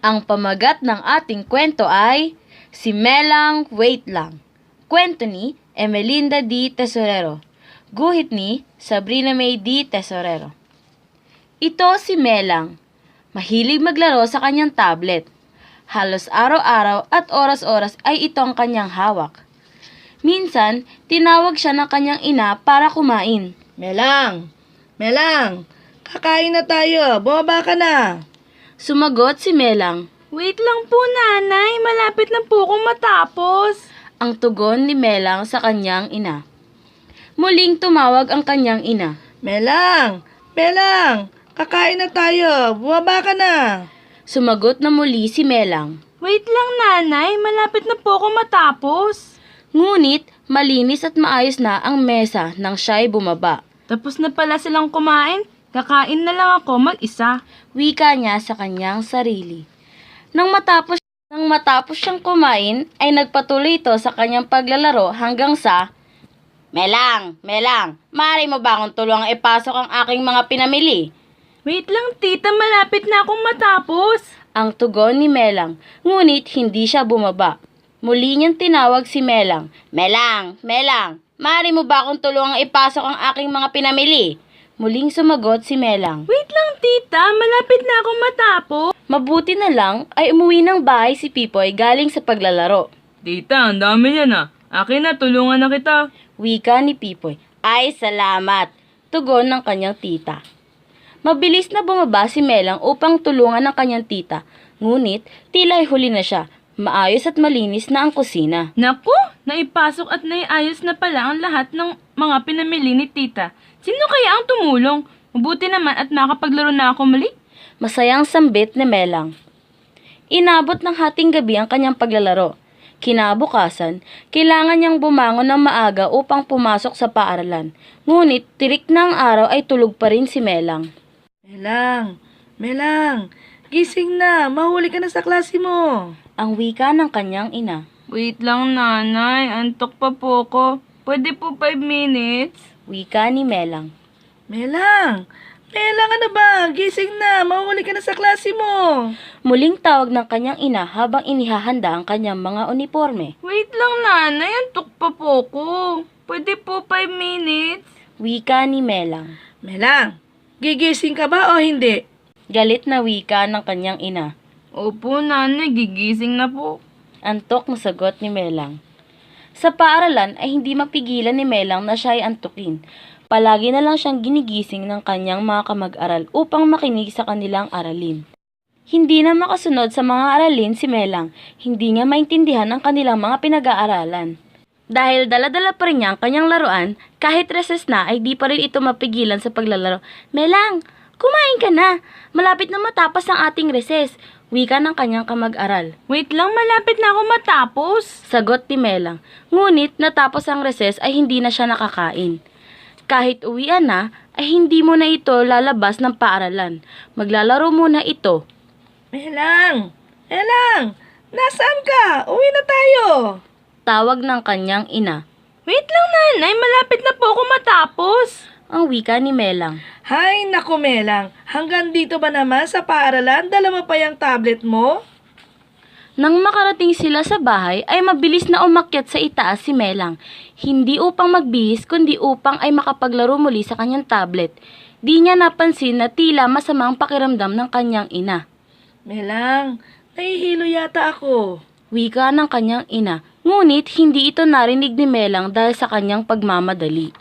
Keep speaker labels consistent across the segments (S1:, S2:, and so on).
S1: Ang pamagat ng ating kwento ay Si Melang Wait Lang. Kwento ni Emelinda D. Tesorero. Guhit ni Sabrina May D. Tesorero. Ito si Melang. Mahilig maglaro sa kanyang tablet. Halos araw-araw at oras-oras ay ito ang kanyang hawak. Minsan, tinawag siya ng kanyang ina para kumain.
S2: Melang! Melang! Kakain na tayo! Bumaba ka na!
S1: Sumagot si Melang.
S3: Wait lang po, nanay. Malapit na po akong matapos.
S1: Ang tugon ni Melang sa kanyang ina. Muling tumawag ang kanyang ina.
S2: Melang! Melang! Kakain na tayo! Bumaba ka na!
S1: Sumagot na muli si Melang.
S3: Wait lang, nanay. Malapit na po akong matapos.
S1: Ngunit, malinis at maayos na ang mesa nang siya'y bumaba.
S3: Tapos na pala silang kumain. Kakain na lang ako mag-isa.
S1: Wika niya sa kanyang sarili. Nang matapos siyang kumain, ay nagpatuloy ito sa kanyang paglalaro hanggang sa Melang! Melang! Maaari mo ba akong tulungang ipasok ang aking mga pinamili?
S3: Wait lang, tita. Malapit na akong matapos.
S1: Ang tugon ni Melang, ngunit hindi siya bumaba. Muli niyang tinawag si Melang. Melang! Melang! Maaari mo ba akong tulungang ipasok ang aking mga pinamili? Muling sumagot si Melang.
S3: Wait lang, tita. Malapit na akong matapos.
S1: Mabuti na lang ay umuwi ng bahay si Pipoy galing sa paglalaro.
S3: Tita, ang dami yan ah. Akin na, tulungan na kita.
S1: Wika ni Pipoy. Ay, salamat! Tugon ng kanyang tita. Mabilis na bumaba si Melang upang tulungan ng kanyang tita. Ngunit, tila ay huli na siya. Maayos at malinis na ang kusina.
S3: Naku, naipasok at naiayos na pala ang lahat ng mga pinamili ni tita. Sino kaya ang tumulong? Mabuti naman at makapaglaro na ako muli.
S1: Masayang sambit ni Melang. Inabot ng hating gabi ang kanyang paglalaro. Kinabukasan, kailangan niyang bumangon ng maaga upang pumasok sa paaralan. Ngunit, tirik na ang araw ay tulog pa rin si Melang.
S2: Melang! Melang! Gising na! Mahuli ka na sa klase mo!
S1: Ang wika ng kanyang ina.
S3: Wait lang, nanay. Antok pa po ko. Pwede po 5 minutes?
S1: Wika ni Melang.
S2: Melang! Melang, ano ba? Gising na! Mahuli ka na sa klase mo!
S1: Muling tawag ng kanyang ina habang inihahanda ang kanyang mga uniforme.
S3: Wait lang, nanay. Antok pa po ko. Pwede po 5 minutes?
S1: Wika ni Melang.
S2: Melang! Gigising ka ba o hindi?
S1: Galit na wika ng kanyang ina.
S3: Opo, nanay. Gigising na po.
S1: Antok na sagot ni Melang. Sa paaralan ay hindi mapigilan ni Melang na siya ay antukin. Palagi na lang siyang ginigising ng kanyang mga kamag-aral upang makinig sa kanilang aralin. Hindi na makasunod sa mga aralin si Melang. Hindi niya maintindihan ang kanilang mga pinag-aaralan. Dahil dala-dala pa rin niya ang kanyang laruan, kahit recess na ay di pa rin ito mapigilan sa paglalaro. Melang, kumain ka na! Malapit na matapos ang ating recess. Wika ng kanyang kamag-aral.
S3: Wait lang, malapit na ako matapos.
S1: Sagot ni Melang. Ngunit natapos ang recess ay hindi na siya nakakain. Kahit uwian na, ay hindi mo na ito lalabas ng paaralan. Maglalaro muna ito.
S2: Melang! Melang! Nasaan ka? Uwi na tayo!
S1: Tawag ng kanyang ina.
S3: Wait lang, nanay. Malapit na po ako matapos.
S1: Ang wika ni Melang.
S2: Hay, naku Melang! Hanggang dito ba naman sa paaralan? Dala mo pa yung tablet mo?
S1: Nang makarating sila sa bahay, ay mabilis na umakyat sa itaas si Melang. Hindi upang magbihis, kundi upang ay makapaglaro muli sa kanyang tablet. Di niya napansin na tila masamang pakiramdam ng kanyang ina.
S2: Melang, nahihilo yata ako.
S1: Wika ng kanyang ina. Ngunit hindi ito narinig ni Melang dahil sa kanyang pagmamadali.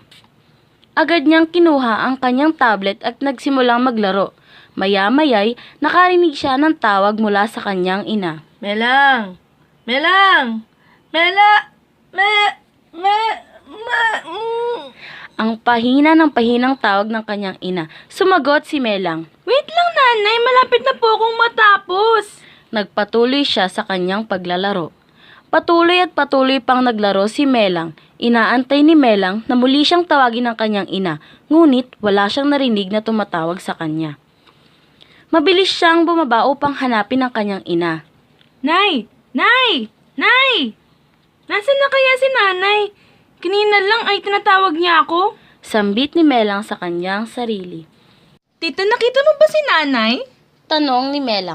S1: Agad niyang kinuha ang kanyang tablet at nagsimulang maglaro. Maya-maya'y nakarinig siya ng tawag mula sa kanyang ina.
S2: Melang! Melang!
S1: Ang pahina ng pahinang tawag ng kanyang ina. Sumagot si Melang.
S3: Wait lang, nanay. Malapit na po akong matapos.
S1: Nagpatuloy siya sa kanyang paglalaro. Patuloy at patuloy pang naglaro si Melang. Inaantay ni Melang na muli siyang tawagin ng kanyang ina, ngunit wala siyang narinig na tumatawag sa kanya. Mabilis siyang bumaba upang hanapin ang kanyang ina.
S3: Nay! Nay! Nay! Nasaan na kaya si nanay? Kanina lang ay tinatawag niya ako.
S1: Sambit ni Melang sa kanyang sarili.
S3: Tita, nakita mo ba si nanay?
S1: Tanong ni Melang.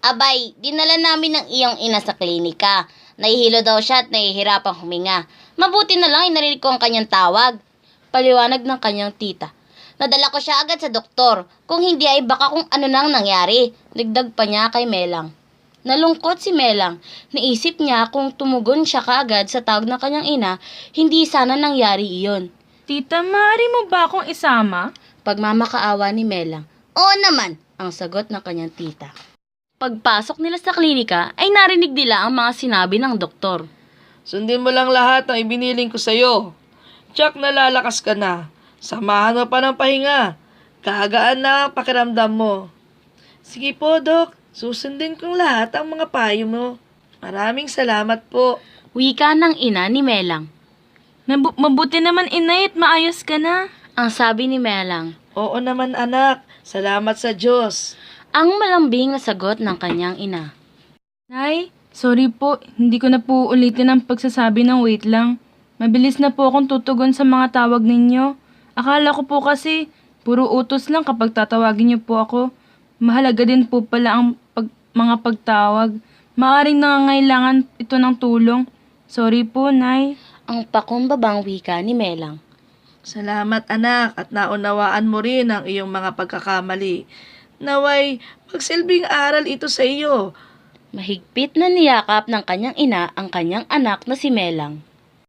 S4: Abay, dinala namin ng iyong ina sa klinika. Nahihilo daw siya at nahihirapang huminga. Mabuti na lang ay narinig ko ang kanyang tawag.
S1: Paliwanag ng kanyang tita.
S4: Nadala ko siya agad sa doktor. Kung hindi ay baka kung ano nang nangyari.
S1: Dagdag pa niya kay Melang. Nalungkot si Melang. Naisip niya kung tumugon siya kaagad sa tawag ng kanyang ina, hindi sana nangyari iyon.
S3: Tita, maaari mo ba akong isama?
S1: Pagmamakaawa ni Melang.
S4: Oo naman.
S1: Ang sagot ng kanyang tita. Pagpasok nila sa klinika ay narinig nila ang mga sinabi ng doktor.
S2: Sundin mo lang lahat ng ibiniling ko sa'yo. Tsak nalalakas ka na. Samahan mo pa ng pahinga. Kagaan na ang pakiramdam mo. Sige po, Dok. Susundin kong lahat ang mga payo mo. Maraming salamat po.
S1: Wika ng ina ni Melang.
S3: Mabuti naman, inay, at maayos ka na.
S1: Ang sabi ni Melang.
S2: Oo naman, anak. Salamat sa Diyos.
S1: Ang malambing na sagot ng kanyang ina.
S3: Nay, sorry po, hindi ko na po ulitin ang pagsasabi ng wait lang. Mabilis na po akong tutugon sa mga tawag ninyo. Akala ko po kasi, puro utos lang kapag tatawagin niyo po ako. Mahalaga din po pala ang mga pagtawag. Maaring nangangailangan ito ng tulong. Sorry po, Nay.
S1: Ang pakumbabang wika ni Melang.
S2: Salamat, anak, at naunawaan mo rin ang iyong mga pagkakamali. Naway, magsilbing aral ito sa iyo.
S1: Mahigpit na niyakap ng kanyang ina ang kanyang anak na si Melang.